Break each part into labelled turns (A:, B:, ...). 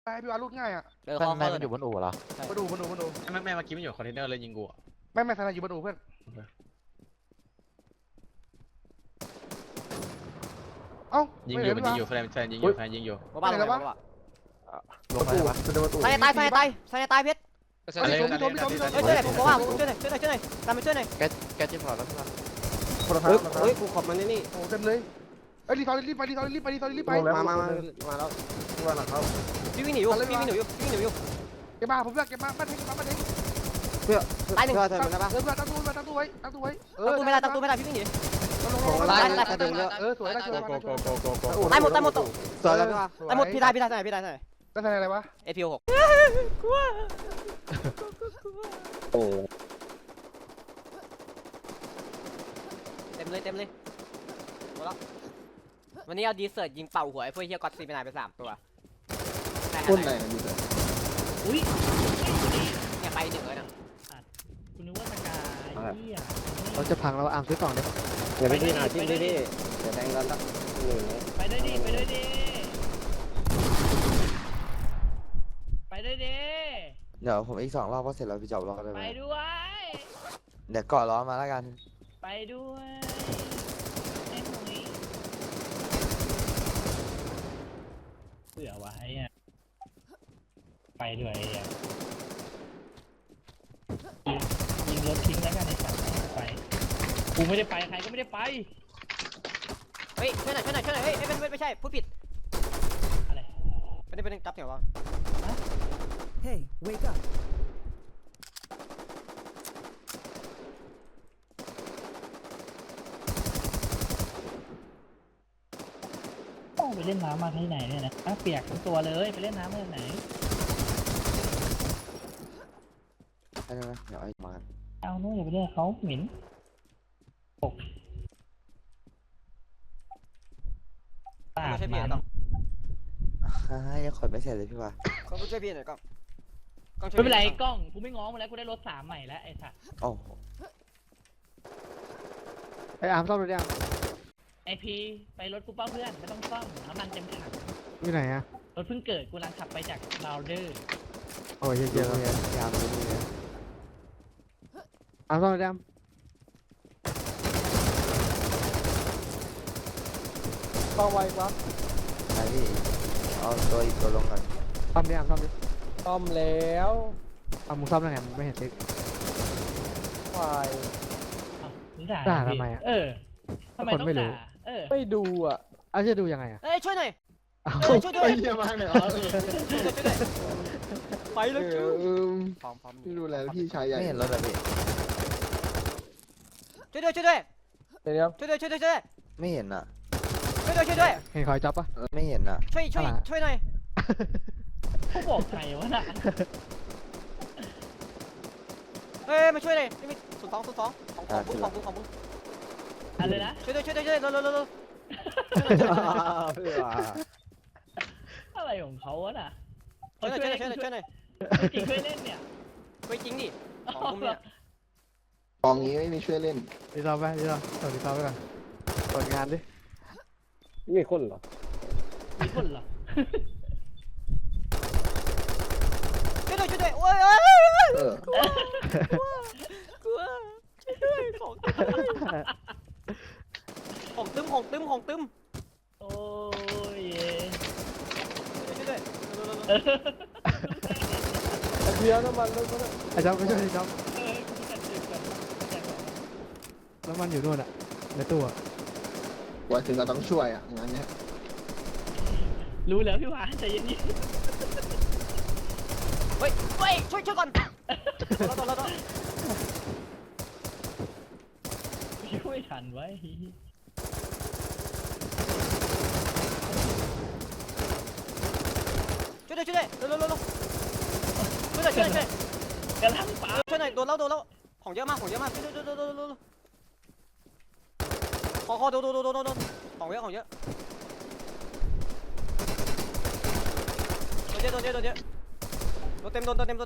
A: ไปพี่วารุดง่ายอ่ะ
B: แม่มันอยู่บนอู่เหรอ
A: มาดู
C: แม่เมื่อกี้มันอยู่คอนเทนเนอร์เลยยิงกู
A: ไม่ทนายอยู่มาดูเพื่อนเอ้า
C: ยิงอยู่มันยิงอยู่แฟนยิงอยู่แฟนยิงอยู่
D: บ้านอะไรวะ
B: ลงไปวะ
D: ใส่ตายเพชร
A: ช่วยหน่อยผมบอกว่าช่วยหน่อยตามไปช่วยหน่อย
B: แกจิ้มหลอดแล้วใช่ไหม
E: เฮ้ยกูขอบมันนี่
A: โอ้เต็มเลยรีบไปมา
E: แล้วว่าหลังเขา
D: พี่วิ่งหนีอยู่
A: เก็บมาผมเลือกเก็บมาบ้านเทง
E: เพื่อ
D: ตายหนึ่ง
E: เธอมันได้ปะ
A: ตั้งตู้ไว้
D: ตั้งตู้ไม่ได้พี่วิ่งหนี
E: เดินเยอะ
A: สวยได้ช่วย
C: โกโก
D: ตายหมด
E: สวยแล้วพี่ว่า
D: ตายหมดพี่ได้
A: ได้ทนายอะไรวะ
D: APO 6กลัว
E: โอ้
D: เต็มเลยหมดแล้ววันนี้เอาดีเซิร์ตยิงเป่าหัวไอ้พวกเฮียก็อตซีไปไหนไป3ตัว
E: คนไหนอยู่เลย
F: อุ้ย
D: เนี่ยไป1เลยนะ
F: คุณนึกว่าสกายเหี้ย
B: เราจะพังแล้วอาร์มซื้อกล่องได้ปะ
E: เดี๋ยวไปที่หาที่พี่เดี๋ยวแทงกันสักหนึ่ง
F: ไปได้ดิไปได้ดิไปได้ดิ
B: เดี๋ยวผมอีก2 รอบก็เสร็จแล้วพี่จอบรอได้ไหม
F: ไปด้วย
B: เดี๋ยวเกาะล้อมาแล้วกัน
F: ไปด้วยไอ้หนุ่ยเสือไว้อะไปด้วยอ่ะยิงรถทิ้งแล้วกันไอ้สัตว์ไปกูไม่ได้ไปใครก็ไม่ได้ไป
D: เฮ้ยช่วยหน่อยเฮ้ยไม่ใช่พูดผิด
F: อะไร
D: เป็นจับเสียงวะ
G: Hey, wake up.
F: ไปเล่นน้ำมาที่ไหนเนี่ยนะเปียกทั้งตัวเลยไปเล่นน้ำมาที่ไหน
B: ได้ไหมเดี๋ยวไอ้มา
F: เอานู้นอย่าไปเรียกเขาเหม็นปาก
D: ไม่ใช่พี่
F: มัน
D: ต้อง
B: ยังขนไม่เสร็จเลยพี่ว่า
D: ก็ช่วยพี่หน่อยกล้อง
F: ไม่เป็นไรกล้องกูไม่ง้อมาแล้วกูได้รถ3ใหม่แล้วไอ้สัส
B: โอ้ไออาร์มซ่อมรถยัง
F: ไอพีไปรถกูเป้าเพื่อนไม่ต้องซ่อมน้ำมันเต็มถัง
B: อยู่ไหนอะ
F: รถเพิ่งเกิดกูกำลังขับไปจากลาวเดอร์
B: โอ้ยเยอะเลยยามเลยเนี่ยอาร์มซ่อมรถยัง
E: ต้องไวปะ
B: ไหนพี่เอาอีกตัวลงก่อนซ่อมดิอาร์มซ่อมดิ
E: ต้อมแล้ว
B: เอามึงซ่อมได้ไงมึงไม่เห็นติ๊ก
E: ไฟ
B: ด่าทำไมอะ
F: ทำไมต้องด่า
E: ไม่ดูอ่ะ
B: เอาจะดูยังไงอะ
D: เอ้ยช่วยหน่อย ช่วยด้วย
E: เยี่ยมมากเลยเหรอ
D: ไปเลย
E: พร้อมพี่ดูแลพี่ชายใหญ่
B: ไม่เห็นรถอะพี่
D: ช่วยด้วย
E: เดี๋ยว
B: ไม่เห็นอะ
D: ช่วยด้วย
B: เห็นคอยจ็อบปะไม่เห็นอะ
D: ช่วยหน่อย
F: เขาบอกใครวะน่ะ
D: เฮ้ยมาช่วยเลยนี่มี02ของมึง
F: อะไรนะ
D: ช่วยเร็ว
E: เพื่อ
F: อะไรของเขาวะน่ะ
D: ช่วยหน่อย
F: จริงเคยเล่นเนี่ย
D: ช่วยจริงดิของมึงเนี่ย
E: กองนี้ไม่มีช่วยเล่น
B: ดีซ่อมไปดีซ่อมดีซ่อมไปก่อนเปิดงานดิ
E: มีคนเหรอ
F: มีคนเหรอ
D: ช่วยด้วยโอ้ย กลัวช่วยด้วยของตึม
F: โอ้ย
D: ช่วยด้วย
E: เดี๋ยวน้ำมันรถก็
B: ไอ้จ๊อบก็ช่วยดิจ๊อบ
F: กูจัดจุดก่อน
B: แล้วมันอยู่นู่นอะในตู้อะ
E: ว่าถึงเราต้องช่วยอ่ะงานเนี้ย
F: รู้แล้วพี่หวานใจเย็น
D: เฮ้ยช่วยก่อนเรา
F: ๆช่วยทันไว้
D: ช่วยเร็วช่วยกำลังป๋าช่วยหน่อยโดนแล้วของเยอะมากช่วยขอโดนของเยอะโดนเยอะโดนเต็มช่วยหน่อย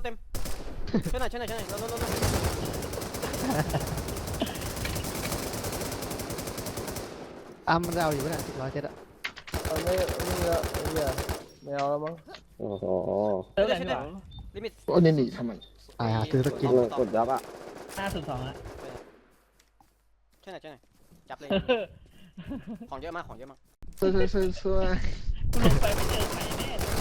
B: อาร์มมันจะเอาอยู่ปะเนี่ย107อะ
E: ไม่เยอะไม่เอาแล้วมั้งโอ้โห
F: เติร์ดอะไรนี่หว่า
D: ลิมิต
B: โอ้ยหนีทำไมซื้อสกิน
E: กดยับอ่ะ
F: 502อะ
D: ช่วยหน่อยจับเลยของเยอะมากของเยอะมาก
B: ช่วย
F: กูลงไปไม่เจอใครแน่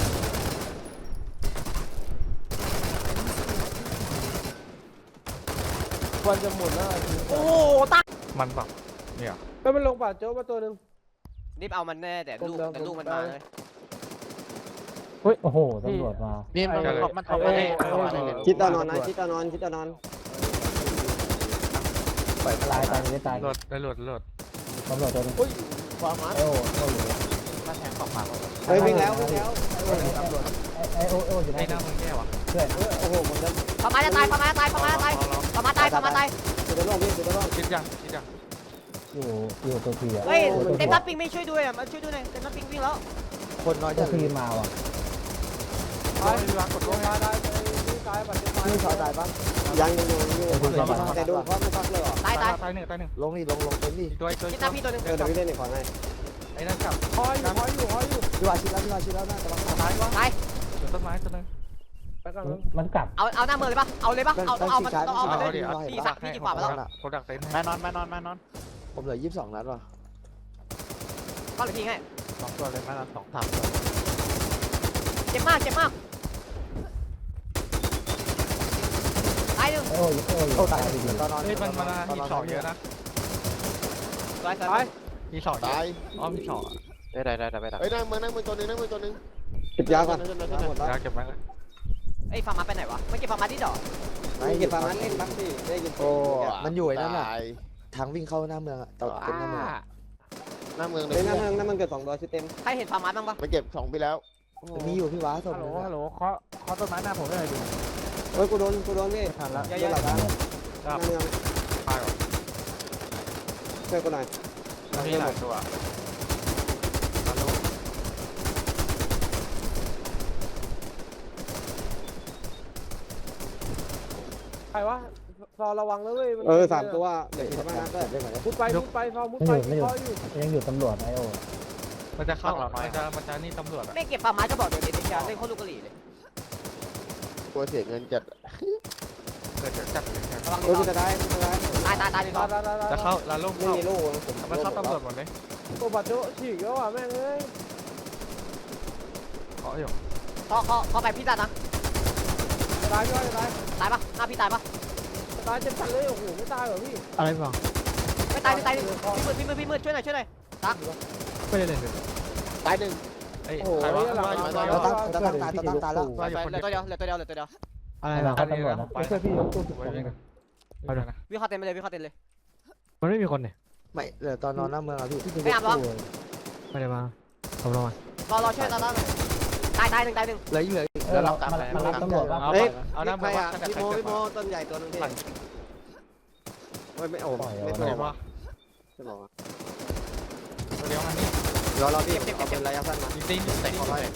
B: ควรจะหมดแล้ว
D: โอ้ตั้ง
C: มันแบบ
B: ก็มันลงป่าโจ๊กมาตัวนึง
D: รีบเอามันแน่แต่ลูกมันมาเลย
H: เฮ้ย โอ้โห ตำรวจมา
C: นี่มันเข้ามาได้
E: คิดตอนนอนนะคิดตอนนอนคิดตอนนอน
H: ตายไม่ตาย
C: หลุดได้หลุด
H: ตำรวจตัวนึง
B: ความมัน
H: ไอโออยู่
C: มาแทงตกมา
E: เฮ้ยวิ่งแล้ววิ่งแล้ว
H: ไอโออยู่ไหน
C: ไอ้หน้ามึงแย่วะ
H: เพื่อน
E: โอ้โหหมดแล้ว
D: ประมาณจะตายประมาณตายประมาณตาย
E: สุดยอดพี่สุดยอด
C: คิดยัง
H: อยู่ตัวทีอ่ะ
D: เฮ้ยเต็มนัดปิงไม่ช่วยด้วยอ่ะมาช่วยด้วยหน่อยเต็มนัดปิงวิ่งแล้ว
B: คนน้อย
H: ตั
B: จะ
H: วทีมาว่ะ
B: กดลงมาได้ตายปัจจุบัน
E: นี่ขอตายปะยังอยู่แต่โดนเพราะไม่พักเลยหรอ
D: ตาย
C: หนึ่ง
B: ลงนี่ลงเต็มที่
C: ตัว
D: คิดหน้าพี่ตัวนึง
E: เดี๋ยวพี่เล่นอีกขอให้
C: ไอ้นั่นกลับ
B: คอยอยู่ดูอาชีพแล้วนะกำลัง
C: ตายวะ
D: ตาย
C: ต้นไม้ตัวนึง
B: ไปกัน
H: มันกลับ
D: เอาหน้าเมือเลยปะเอาเลยปะเอามันต้องเอามันเลยพี่กี่กว่ามาแล้ว
C: กูดักเต็นท์มานอน
B: ผมเหลือ22 นัดว่ะ
D: ก็เลยพี่ให้
C: 2 ตัวเลยมานอน2 3
D: เจ็บมากตายหนึ่ง
H: ไอโออยู่ตายดี
B: ตอนนอน
C: เฮ้ยมันมี2เยอะนะ
D: ตาย
C: มี2เยอะอ๋อมี2ได้
B: เฮ้ยนั่งมือตัวนึง
E: เก็บยาก่อนหมดแล้ว
C: อยากเก็บไว้
D: ไอ้ฟาร์มาไปไหนวะไม่เก็บฟาร์มาที่ดอก
E: ไม่เก็บปลามันเล่นบ้างสิได้ยิน
B: โอ้มันอยู่ไอ้นั่นน่ะทางวิ่งเข้าหน้าเมืองอ่ะต่อเต็มหน้าเมือง
E: หน้าเมืองเลยหน้าเมืองนั่นมันเกิด2 ตัวชุดเต็ม
D: ใครเห็นฟาร์มาบ้างปะ
B: ไปเก็บ2ปีแล้วมีอยู่พี่ว้าสม
H: ฮัลโหลเคาะต้นไม้หน้าผมได้เลยดิ
E: เฮ้ยกูโดนพี่
H: ทันละ
E: เยอะๆหลังหน้าเมือง
C: ตายหรอ
E: ช่วยกูหน่อย
C: มีหลายตัว
B: ใครวะรอระวังนะเว้ย
E: 3 ตัวเดี๋ยวคิดว่านะก็
B: มุดไปรอมุดไป
H: ยังอยู่ตำรวจไอโอ
C: มันจะเข้ามันจะนี่ตำรวจอะ
D: ไม่เก็บฟาร์มาจะบอกเดี๋ยวเด็กๆเล่นโคตรลูกกะหรี่เลย
B: กลัวเสียเงินจัด
C: เกิดจัด
D: ระวัง
E: เฮ้ยจะได้
D: ตายดีกว่า
C: จะเข้าลาลง
E: ไม่
C: เข้า
E: มีลูก
C: มันเข้าตำรวจหมดเลย
B: ตัวบัตรโจ๊ฉีกแล้วอ่ะแม่งเอ้ย
C: ขออยู่
D: เขาไปพี่ตายนะ
B: ตายย่อยตาย
D: ตายปะหน้าพี่ตายปะ
B: ตายเจ็บจัดเลยโอ้โหไม่ตายเหรอพี่
C: อะไรบ้าง
D: ไม่ตายพี่มืดช่วยหน่อยตัก
C: ไม่ได้เล่นเลย
B: ตายหนึ่ง
C: ไอ้
B: โอ้โห
C: ใครวะ
B: เราตั้งตายแล้ว
C: ว่าอยู่คน
D: เหลื
C: เดี
D: อ
C: ยว
D: ตัวเดียว
C: อะไร
H: หลั
C: นะ
H: งเข้าตำรวจนะไม่ใช่พี่ตู้
C: ไว้ยังไงเอาเดี๋ยวนะ
D: วิ่งเข้าเต็มไปเลยวิ่งเข้าเต็มเลย
C: มันไม่มีคนเนี่ย
B: ไม่เหลือตอนนอนหน้าเมืองอ่ะพี่
D: ไม่อาบหรอ
C: ไม่ได้มาผมรอ
D: รอช่วยตายหนึ่ง
B: เหลืออีก
H: แล้วเรามารับตำรวจป่ะ
E: เฮ้ย
C: เอาหน้า
E: ใคร
C: มา
E: อ่ะพี่โมต้นใหญ่ตัวนึงพี่ไม่โอ้ไม่
C: ตัว
E: โผล่
C: เดียวว่า
E: จะบอก
C: ตัวเดียวมันนี่
E: รอพี่เอาเป็นระยะสั้นมา
C: ยิงตีนเตะเขาเลย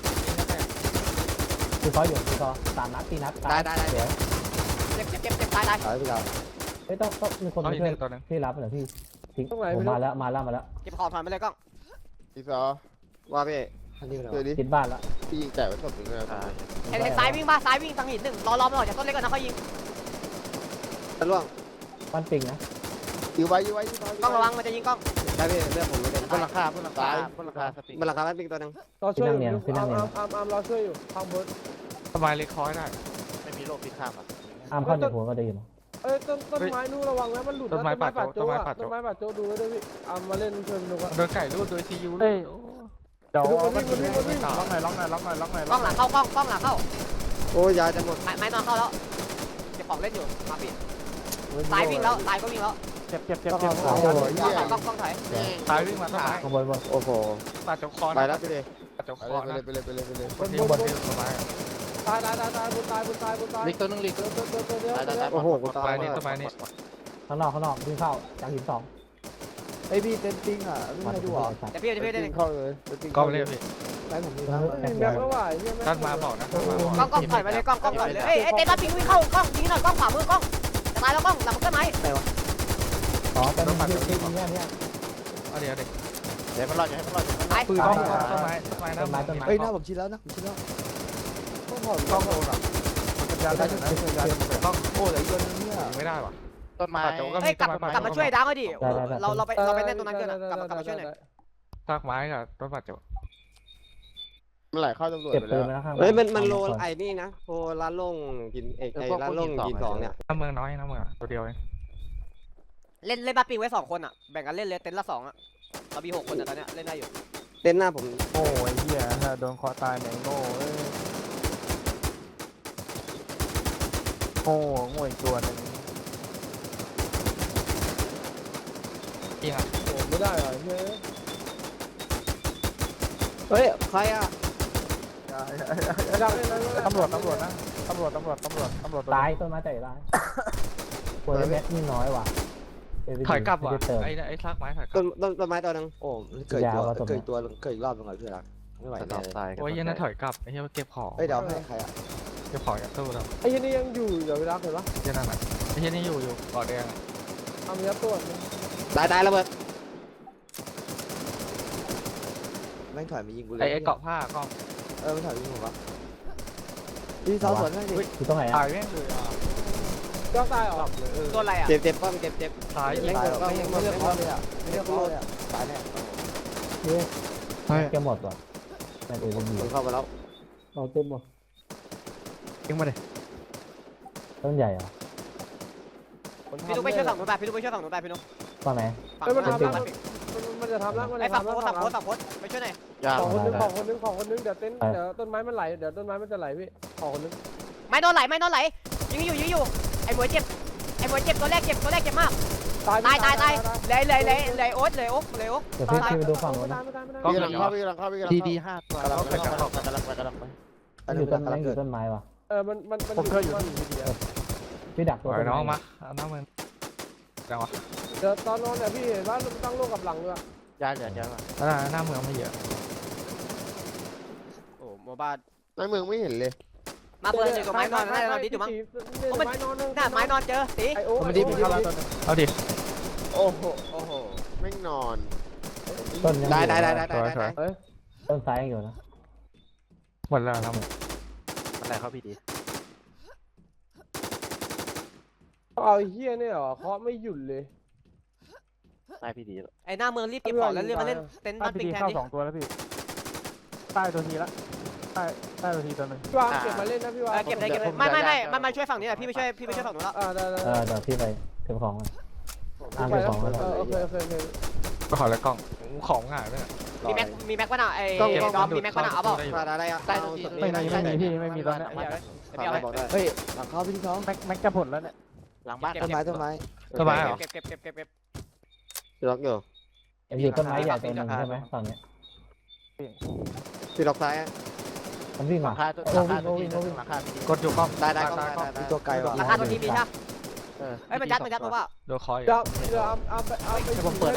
H: คือเขาอยู่คือเขา3 นัด 4 นัดเดี๋ยว
D: เจ็บตาย
E: ตายพี่เรา
H: เฮ้ยต้องมีคนมาช่วยพี่รับเหรอพี่ทิ้งผมมาแล้ว
D: เก็บของถอยไปเลยกล้อง
B: พี่ซอ
E: ว่าพี่
B: เดี๋ยวดิ
H: คิดบ้านละ
B: พี่ยิงแต่ไว้ศพหนึ่งเลย
D: เห็นซ้ายวิ่งทางหินหนึ่งรอมันออกจากต้นเล็กก่อนนะเขายิง
E: ตะล่วง
H: บ้านปิงนะ
B: ยื้อไว้
D: กล้องระวังมันจะยิงกล้อง
E: ได้พี่เลือกผมไม่เป็น
C: บนหลังคาสติ
E: มันราคาไม่เป็นตัวนึง
B: เราช่วยอยู่อาร์มเราช่วยอยู่ทางบน
C: สบายเล็กคอยได้ไม่มีโรคพิษข้ามอ่ะ
H: อาร์มเข้าในหัวก็ได้ยิน
B: เอ้ยต้นไม้นู่นระวังนะมันหลุดต้นไม้ป่าโจ๊ดูไว้ด้วยพี่อาร์มมาเล่นช่วยดูกัน
C: โดนไก่รูดโดยซียู
H: เดี๋ยว
B: มันวิ่ง
C: ล็อกหน่อย
D: กล้องหลังเข้า
E: โอ้ยาจะหมด
D: ไม้นอนเข้าแล้วเก็บของเล่นอยู่มาพี่ซ้ายวิ่งแล้วซ้ายก็วิ่งแล้ว
C: เจ็บ
E: โอ้โห
D: กล้องถอย
C: ซ้ายวิ่งมาซ้าย
H: ข้างบน
E: โอ้โห
C: ตัดจกคอ
E: ไปแล้วพี่เลย
C: ตัดจกคอนะ
B: ไปเลย
C: คนที่บนที่สบาย
B: ตายบนตาย
C: ลิกตัวนึงลิก
B: ตัวเดียว
E: โอ้โหกู
C: ส
E: ตา
C: บาย ยนี่สบายนี่
H: ข้างนอกวิ่งเข้าจากหิน
B: ไอพี่เต็นติ้งอ่ะไม่ให้ดูอ่ะ
D: เดี๋ยวพี่ได้หนึ่ง
B: เข้าเลย
C: ก็ไม่เรียกพี่
B: ไอผมมีน้ำแบบว่า
C: ท่านมาบอกนะ
D: กล้องถอยไปเลยกล้องถอยเลยเอ้ยเต้นมาปิงวิ่งเข้ากล้องยิงหน่อยกล้องขวามือกล้องจะตายแล้วกล้องหลังมันก็ไหม
H: อ๋อเป็นที่เนี่ย
C: เดี๋ยวเดี๋ยวมันรอดอย่าให้มันรอด
D: ตาย
C: ปืนต้นไม้
H: ต้นไม้
B: เฮ้ยหน้าผมชิดแล้วนะถอน
C: กล้องโดนอ่ะสัญญาณได้อยู่นะสัญญาณต้องโอ้เหลืออีกตัวนึงเนี่ยไม่ได้ว่ะต้นไม้โจก็
D: เฮ้
C: มี
D: ยกลับมาช่วยดังก็ดิเราไปเล่นตรงนั้นกันกลับมาช่วยหน่อย
C: ซากไม้กับต้นบาดเจ็บ
E: มันไหลเข้าตำรวจ
H: เก็บ
E: ไป
H: ปื
E: แล้ว
H: นมาแล้วข้าง
E: เฮ้ยมันโลไอ้นี่นะโลร้านลงกินไอ้ร้านลงกิน2เนี่ย
C: น้ำเมืองน้อยน้ำเมืองตัวเดียวเอง
D: เล่นบ้าปิงไว้2คนอ่ะแบ่งกันเล่นเลยเต็นท์ละ2อ่ะเรามี6คนแต่ตอนเนี้ยเล่นได้อยู่
E: เต้นหน้าผม
C: โอ้ยเหี้ยโดนคอตายแมงโง่โอ้โง่อีกตัวนึงจริงอ่ะ
B: โอ้ไม่ได้เหรอเฮ้ย
E: เฮ้ยใครอ่ะ
B: ดังเลยนะ
C: ตำรวจนะตำรวจ
H: ตายต้นไม้ใจร้ายปืนแม็กนี่น้อยว่ะ
C: ถอยกลับว่ะ
H: เติม
C: ไอ้ซากไม้ถอยกลั
E: ต้นไม้ตัวนึงโอ้เกิด
H: ยาวอะต้นไม้
E: เกิดอีกรอบนึงเหรอพี่รักไม่ไหวแน่เลย
C: โอ้ยยันน่าถอยกลับไอ้เหี้ยเก็บของ
E: เฮ้ยเดี๋ยวให้ใครอ่ะ
C: เก็บของจากตู้แล้ว
B: ไอ้ยี่นี่ยังอยู่เดี๋ยวเวลาเห็นปะ
C: ยันนั่นอ่ะไอ้เหี้ยนี่อยู่เกาะแดง
B: ทำยัดตัว
E: ตายระเบิดแม่งถอยมายิงกูเลย
C: ไอ้เกาะผ้ากล้อง
E: ไม่ถอยมายิงผมวะพี่ซ้อมสวนให้ดิ
H: อยู่ตรงไหน
C: ตา
H: อ่ะ
C: ยแม่งเลย
B: ก็ตายเหรอ
D: โดนอะไรอ่ะ
E: เจ็บป้อมเจ็บ
C: ตายยิง
E: ไม่เลือกเขาเลยอ่ะไม่เลือกเขาเลยอ่ะตายแน่
H: แกหมดว่ะแม็กเอวีดี
E: เข้ามาแล้ว
H: เอาเต็มหมด
C: ยิงมาเลย
H: ต้นใหญ่เหรอ
D: พี่นุ๊กไปช่วยฝั่งนู้นไปพี่นุ๊กไปช่วยฝั่งนู้นไปพี่นุ๊ก
H: ตอนไหน
D: ฝั่ง
B: เฮ้ย
D: นู้
B: มัน
D: น
B: ทำแล้วมันจะทำแล้วมัน
D: ไอ้
B: จะ
D: ฝั่ง
B: ทำ
D: โพ
B: แล้ว
D: สฝั่งโพสไปช่วยหน่อย
B: ของคนนึงเดี๋ยวต้นไม้มันไหลเดี๋ยวต้นไม้มันจะไหลพี่ของคนนึง
D: ไม่โดนไหลยิงอยู่ไอ้หมวยเจ็บตัวแรกเจ็บมากตายเลยโอ๊ต
H: เดี๋ยวพี่ไปดูฝั่งนู้นนะ
E: พี่กำลังเข้า
C: ดี5ตัว
E: กำลังไป
H: อยู่ต้นไม้อยู่ต้นไม้ว่ะ
B: มัน
C: ผมเคยอยู่ที่
H: พี่ดักตัว
C: ปล่อย
H: ต้น
C: น้อง
H: ไม้
C: มาเอาน้ำมันจังวะ
B: เดี๋ยวตอนนอนเนี่ยพี่เห็นว่าตั้งโลกกับหลังด้วย
C: ยาเหลือเยอะมากหน้าเมืองไม่เยอะ
D: โอ้โมบ้า
E: ในเมืองไม่เห็นเลย
D: มาเปิดเลยกับไม้นอนได้เราดิอยู่มั้ง
B: ไม้นอน
D: หน้าไม้นอนเจอตี
B: ไอโอ้
C: มันดีมันเข้าแล้วตัวนึงเอาดิ
E: โอ้โหแม่งนอน
H: ต้นยัง
E: ได้
H: ต้นซ้ายยังอยู่นะ
C: หมดแล้วน้ำมันอะไรเข้าพี่ดี
B: เอาเฮียเนี่ยเหรอเคาะไม่หยุดเลย
C: ใต้พี่ดี
D: ไอ้หน้าเมืองรีบเก็บของแล้วเรียกมาเล่นเต็นท์บ้านปิงแทนดิ
C: 2ตัวแล้วพี่ใต้ตัวทีละใต้ตัวทีตัวนึง
B: พี่วางเก็บมาเล่นนะพี่วาง
D: เก็บเลยไม่มันมาช่วยฝั่งนี้แหละพี่ไปช่วยฝั่งนู้นแล้ว
B: ได้
H: เดี๋ยวพี่ไปเก็บของอ่ะ
B: ไป
H: เก็บ
B: แล้ว
H: ของแล้ว
B: โอเค
C: ก็ขอแล้วกล้องของง่ายเลย
D: มีแม็กป่ะน่ะไอ้ดอมมีแม็กป่ะน่ะเอาเปล่า
E: อะไรอ่ะ
C: ใต้ตัวทีไม่มีพี่ไม่มีตอนนี้
E: บอกได้เฮ้ยหลังเข้าพี่ที่ท้อง
C: แม็กจะผลแล้วเนี่ยหลังบ้าน
E: ต้นไม้
C: ต้นไม้
D: เก็บ
E: ล็อกอยู่
H: อยู่ต้นไม้ใหญ่ตัวนึงใช่ไหมฝั่งนี้
E: พี่ล็อกซ้าย
H: มันวิ่งมา
C: โอ้วิ่งกดอยู่กล้อง
E: ได้ตัวไกลว่ะ
D: ราคาตัวทีมีใช่เฮ้ยมันยัดมาว่า
C: โดนคอย
B: เดี๋ยวเอาไป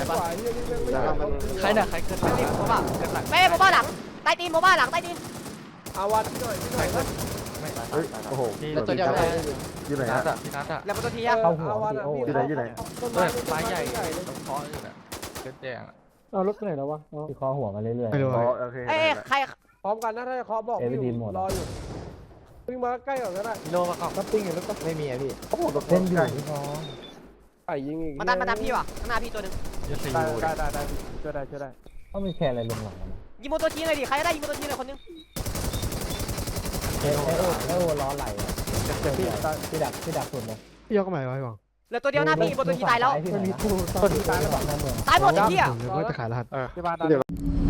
C: ใครเนี่ยใครเกิด
D: ไม่รีบโมบ้าไม่โมบ้าหลังใต้ตีนโมบ้าหลังใต้ตีน
B: เอาวัดหน่อยนะ
E: โอ้โห
C: แล้วตัวเดียวอยู่ไหนนัดพี่นัด
D: แล้วตัวทีอ่ะ
H: เข้าหัวพี่โอ้
B: ต้นไม้
C: ไม้ใหญ่ต้องเคาะอยู่เนี่ยเกิดแดง
H: เอารถไปไหนแล้ววะที่คอหัวมาเรื่อย
C: โอเค
D: เอ้ใคร
B: พร้อมกันนะถ้าจะเคาะบอกอยู่รออยู่วิ่งมาใกล้ก่อนก็ได้
C: โลมาก่อน
H: ก็ปิ้งอยู่แล้วก็
E: ไม่มีอ่ะพี่
H: เล่นอยู่ที่คอ
B: ไก่ยิงอีก
D: มันดันพี่ว่ะข้างหน้าพี่ตัวนึง
C: จะซี
F: ได้ช่วยได้
H: ต้องมีแค่อะไรลงหลัง
D: ยิงโมตัวทีเลยดิใครได้ยิงโมตัวทีเลยคนนึง
H: โอ้ล้อไหลพี่ดักสุดเลย
F: พี่ยกใหม่ไว้ก่อน
D: เหลือตัวเดียวหน้าพี่โมตัวทีตายแล้ว
H: ต้นตายหลังหน้าเมือง
D: ตายหมดไอ้เหี้ย
F: ผมจะขายรหัส
C: ที่บ้าน